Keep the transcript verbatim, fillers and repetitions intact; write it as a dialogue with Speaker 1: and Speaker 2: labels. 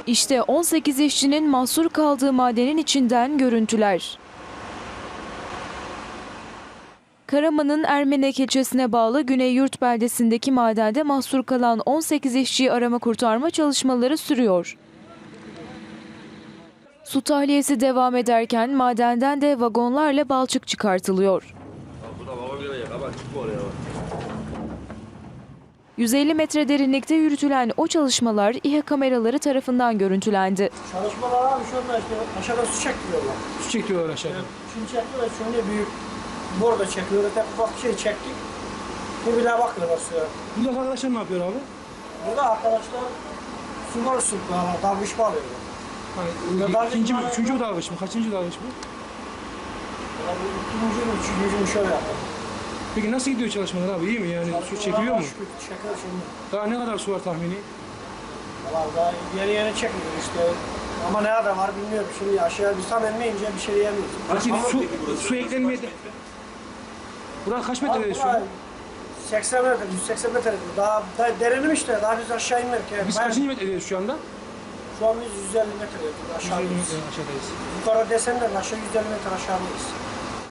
Speaker 1: İşte on sekiz işçinin mahsur kaldığı madenin içinden görüntüler. Karaman'ın Ermenek ilçesine bağlı Güneyyurt beldesindeki madende mahsur kalan on sekiz işçiyi arama kurtarma çalışmaları sürüyor. Su tahliyesi devam ederken madenden de vagonlarla balçık çıkartılıyor. yüz elli metre derinlikte yürütülen o çalışmalar İHA kameraları tarafından görüntülendi.
Speaker 2: Çalışmalar abi şu anda işte aşağıda su çekiyorlar.
Speaker 3: Su çekiyorlar aşağıda.
Speaker 2: Evet, şunu çekiyorlar, şunu büyük borda çekiyorlar. Tek ufak bir şey çektik. Bu bile bakıyorlar suya.
Speaker 3: Buradaki arkadaşlar ne yapıyor abi?
Speaker 2: Burada arkadaşlar su var su bağlar, dalgıç bağlıyorlar.
Speaker 3: Hani,
Speaker 2: dalgıç
Speaker 3: ikinci,
Speaker 2: bağlıyorlar.
Speaker 3: üçüncü dalgıç mı? Kaçıncı dalgıç bu?
Speaker 2: İkinci mi, üçüncü mü şöyle yapalım.
Speaker 3: Peki nasıl gidiyor çalışmalar abi? İyi mi yani? Su çekiliyor mu?
Speaker 2: Çekiyor şimdi.
Speaker 3: Daha ne kadar su var tahmini?
Speaker 2: Valla daha yeni yeni çekmiyor işte. Ama ne kadar var bilmiyorum. Şimdi aşağıya bir tam inmeyince bir şey diyemiyoruz.
Speaker 3: Peki
Speaker 2: Ama-
Speaker 3: su, su eklenmeye de... Burası kaç metrede şu an?
Speaker 2: seksen metre, yüz seksen metre. Daha, daha derinim işte. Daha biz aşağı inmedik. Yani.
Speaker 3: Biz
Speaker 2: Ben-
Speaker 3: kaçıncı metredeyiz şu anda?
Speaker 2: Şu an biz yüz elli metre
Speaker 3: yüz elli
Speaker 2: aşağıdayız.
Speaker 3: metre aşağıdayız.
Speaker 2: Yukarı desenler aşağı yüz elli metre aşağıdayız.